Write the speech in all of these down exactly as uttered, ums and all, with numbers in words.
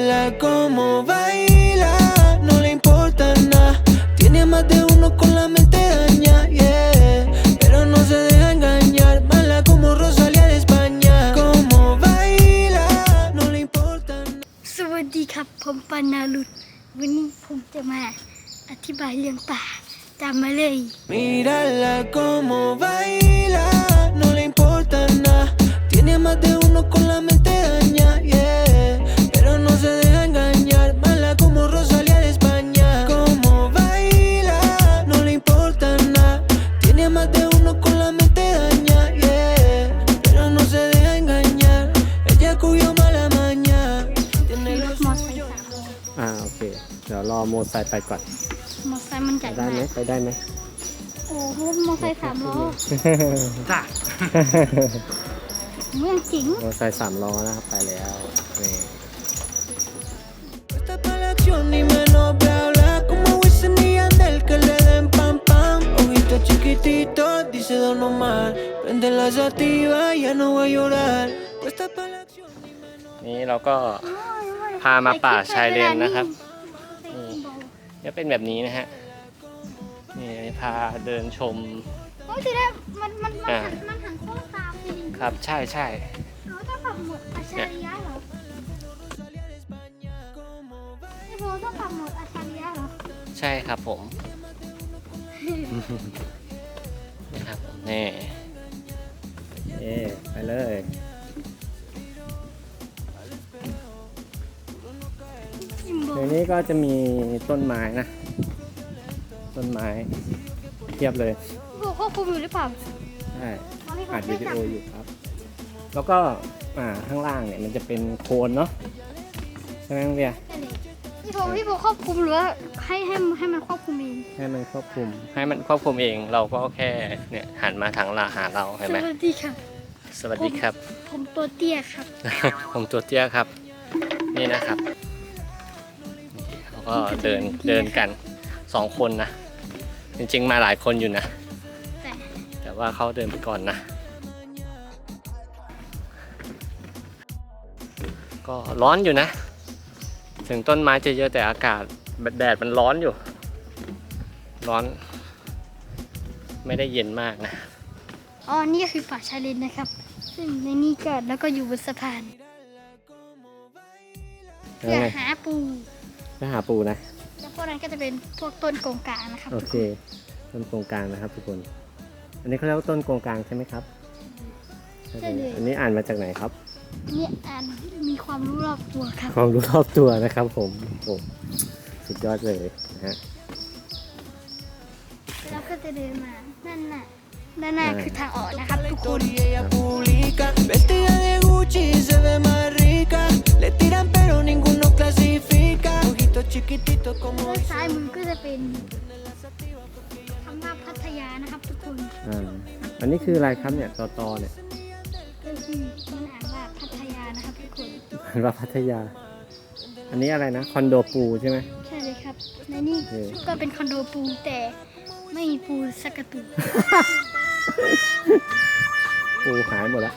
Mírala como baila, no le importa nada. Tiene más de uno con la mente daña, yeah. Pero no se deja engañar, mala como Rosalía de España. Como baila, no le importa nada. สวัสดีครับผมปานาลุดวันนี้ผมจะมาอธิบายเรื่องป่าตามมาเลย Mírala como baila, no le importa nada. Tiene más de uno con la mente daña, yeah. Pero no se deja engañar, mala como Rosalía de España. Como baila, no le importa nada. Tiene más de uno con la mente daña, yeah. Pero no se deja engañar, ella cogió mala maña. Tiene ร lo ถมอไซค์ suyo. สามล้ออ่าโอเคเดี๋ยวรอโมไซค์ไปก่อนมอไซค์มันใหญ่ได้มาไหมกไปได้ไหมโอ้รถมอไซค์สามล้อจ้าเมืองจริงโมไซค์สามล้อนะครับไปแล้วนี่ Está pa' la acción y menos bla bla. Como Wisin y Yandel que le den pam pam. Ojitos chiquititos, dice Don Omar. Prende la sativa, ya no va a llorar. Está pa' la acción y menos. นี่เราก็พามาป่าชายเลนนะครับนี่จะเป็นแบบนี้นะฮะนี่พาเดินชมโอ้ยทีแรกมันมันมันอ่าหันมันหันโค้งตามจริงครับใช่ใช่เขาต้องปรับโหมดอัจฉริยะเหรอไอ้โบต้องปรับโหมดอัจฉริยะเหรอใช่ครับผมนี่ครับผมนี่เอ๊ไปเลยจิมโบในนี้ก็จะมีต้นไม้นะ ต้นไม้เทียบเลยโบควบคุมอยู่หรือเปล่าใช่ตอนนี้เขาอัดไม่วิดีจัโอบ อยู่ครับ แล้วก็อ่าข้างล่างเนี่ยมันจะเป็นโคนเนาะใช่ไหมน้องเบียร์พี่โบพี่โบควบคุมหรือว่าให้ให้ให้มันควบคุมเองให้มันควบคุม ให้มันควบคุมเองเราก็แค่เนี่ยหันมาทางลาหาเราเห็นสไหมวัสดีครับสวัสดีครับผมตัวเตี้ยครับผมตัวเตี้ยครับ นี่นะครับเขาก็เดินเดินกันสองคนนะ จริงๆมาหลายคนอยู่นะแต่แต่ว่าเขาเดินไปก่อนนะ ก็ร้อนอยู่นะ ถึงต้นไม้จะเยอะแต่อากาศแดดมันร้อนอยู่ ร้อน ไม่ได้เย็นมากนะอ๋อนี่คือป่าชายเลนนะครับ ซึ่งในนี่ก็แล้วก็อยู่บนสะพานเพื่อหาปูไปหาปูนะแล้วพวกนั้นก็จะเป็นพวกต้นโกงกลางนะครับโอเค ต้นโกงกลางนะครับทุกคน อันนี้เขาเรียกว่าต้นโกงกลางใช่ไหมครับใช่เลยอันนี้อ่านมาจากไหนครับนี่อ่านมีความรู้รอบตัวครับความรู้รอบตัวนะครับผมโอ้สุดยอดเลยนะฮะแล้วก็จะเดินมานั่นน่ะด้านหน้าคือทางออกนะครับทุกคน Y ella publica, vestida de Gucci se ve más rica. Le tiran pero ninguno clasifica. Ojitos chiquititos como ด้านซ้ายมือก็จะเป็นคำว่าพัทยานะครับทุกคนอ่า อันนี้คืออะไรครับเนี่ยตอตอเนี่ยก็คือมันอ่านว่าพัทยานะครับทุกคนมันว่าพัทยา อันนี้อะไรนะ คอนโดปูใช่ไหมใช่เลยครับในนี่เออก็เป็นคอนโดปูแต่ไม่มีปูสักกระตุกปูหายหมดแล้ว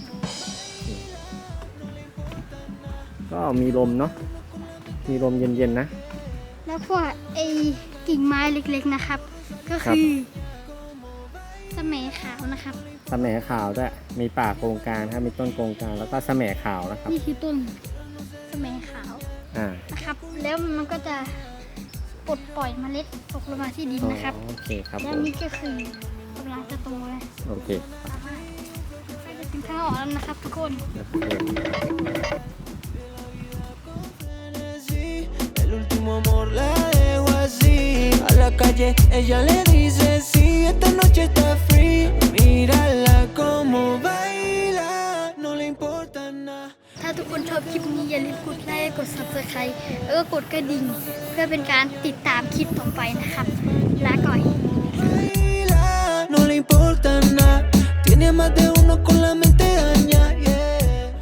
ก็มีลมเนาะ มีลมเย็นๆนะแล้วพวกไอ้กิ่งไม้เล็กๆนะครับ ก็คือสะแหมขาวนะครับสะแหมขาวด้วย มีป่าโกงกลางนะครับมีต้นโกงกลางแล้วก็สะแหมขาวนะครับนี่คือต้นสะแหมขาวอ่านะครับ แล้วมันก็จะปลดปล่อยเมล็ดตกลงมาที่ดินอ๋อนะครับโอเคครับแล้ผวมนี่ก็คือกำลังจะโตแล้วโอเคใกล้จะถึงทางออกแล้วนะครับทุกคน el último amor la dejo así. A la calle ella le dice sí, esta noche está free. Mírala como baila, no le importa nada. ถ้าทุกคนชอบคลิปนี้อย่าลืมกดไลค์กด ซับสไครบ์ แล้วก็กดกระดิ่ง เพื่อเป็นการติดตามคลิปต่อไปนะครับ ลาก่อย Baila, no le importa nada. Tiene más de uno con la mente